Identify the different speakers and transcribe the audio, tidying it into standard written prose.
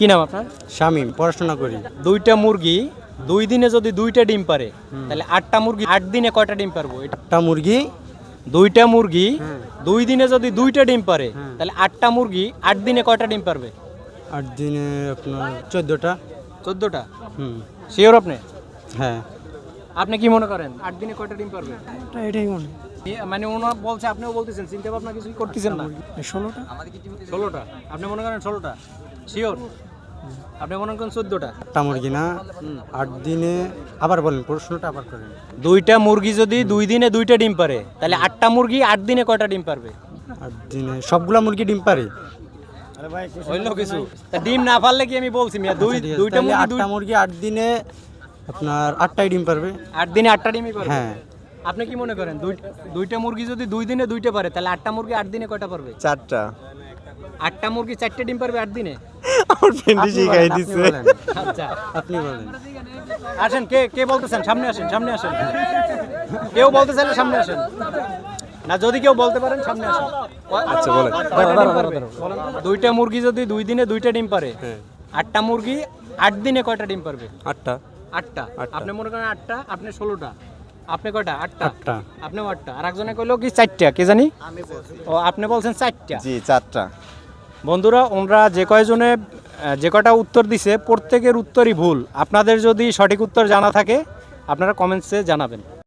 Speaker 1: কি নাম আপনার?
Speaker 2: শামীম, পড়াশোনা করি।
Speaker 1: দুইটা মুরগি 2 দিনে যদি 2টা ডিম পারে তাহলে 8টা মুরগি 8 দিনে কয়টা ডিম পারবো?
Speaker 2: একটা মুরগি
Speaker 1: দুইটা মুরগি 2 দিনে যদি 2টা ডিম পারে তাহলে 8টা মুরগি 8 দিনে কয়টা ডিম পারবে?
Speaker 2: 8 দিনে আপনার 14টা।
Speaker 1: 14টা।
Speaker 2: হুম,
Speaker 1: শিওর আপনি?
Speaker 2: হ্যাঁ।
Speaker 1: আপনি কি মনে করেন 8 দিনে কয়টা ডিম পারবে?
Speaker 2: এটাই মনে
Speaker 1: মানে ওনা বলছে, আপনিও বলতেছেন, চিন্তা ভাবনা কিছুই করতেছেন না।
Speaker 2: 16টা।
Speaker 1: 16টা। আপনি মনে করেন 16টা? শিওর? আপনি মনে করেন 14টা?
Speaker 2: একটা মুরগি না 8 দিনে, আবার বলেন প্রশ্নটা আবার করেন।
Speaker 1: দুইটা মুরগি যদি 2 দিনে 2টা ডিম পারে তাহলে 8টা মুরগি 8 দিনে কয়টা ডিম পারবে?
Speaker 2: 8 দিনে সবগুলা মুরগি ডিম পারে?
Speaker 1: হইল কিছু? তা ডিম না পারলে কি আমি বলছি মিয়া দুইটা মুরগি
Speaker 2: 8টা মুরগি 8 দিনে আপনার 8টাই ডিম পারবে।
Speaker 1: 8 দিনে 8টা ডিমই পারবে?
Speaker 2: হ্যাঁ।
Speaker 1: আপনি কি মনে করেন দুইটা মুরগি যদি 2 দিনে 2টা পারে তাহলে 8টা মুরগি 8 দিনে কয়টা পারবে?
Speaker 3: 4টা।
Speaker 1: 8টা মুরগি 4টে ডিম পারবে 8 দিনে?
Speaker 3: আমার ফ্রেন্ডই শিখাই দিছে।
Speaker 1: আচ্ছা,
Speaker 2: আপনি বলেন।
Speaker 1: আসেন, কে কে বলতেছেন? সামনে আসেন, সামনে আসেন। কেউ বলতে চাইলে সামনে আসেন। না, যদি কেউ বলতে পারেন সামনে আসেন।
Speaker 3: আচ্ছা, বলেন।
Speaker 1: কয়টা ডিম পারবে? দুইটা মুরগি যদি 2 দিনে 2টা ডিম পারে, 8টা মুরগি 8 দিনে কয়টা ডিম পারবে?
Speaker 3: 8টা।
Speaker 1: 8টা। আপনি মনে করেন 8টা, আপনি 16টা। আপনি কয়টা? 8টা।
Speaker 2: 8টা।
Speaker 1: আপনিও 8টা। আর একজনে কইলো কি 4টা, কে জানি? ও, আপনি বলছেন 4টা।
Speaker 3: জি, 4টা।
Speaker 1: বন্ধুরা, ওনরা যে কয়জনে যে কয়টা উত্তর দিছে প্রত্যেকের উত্তরই ভুল। আপনাদের যদি সঠিক উত্তর জানা থাকে আপনারা কমেন্টসে জানাবেন।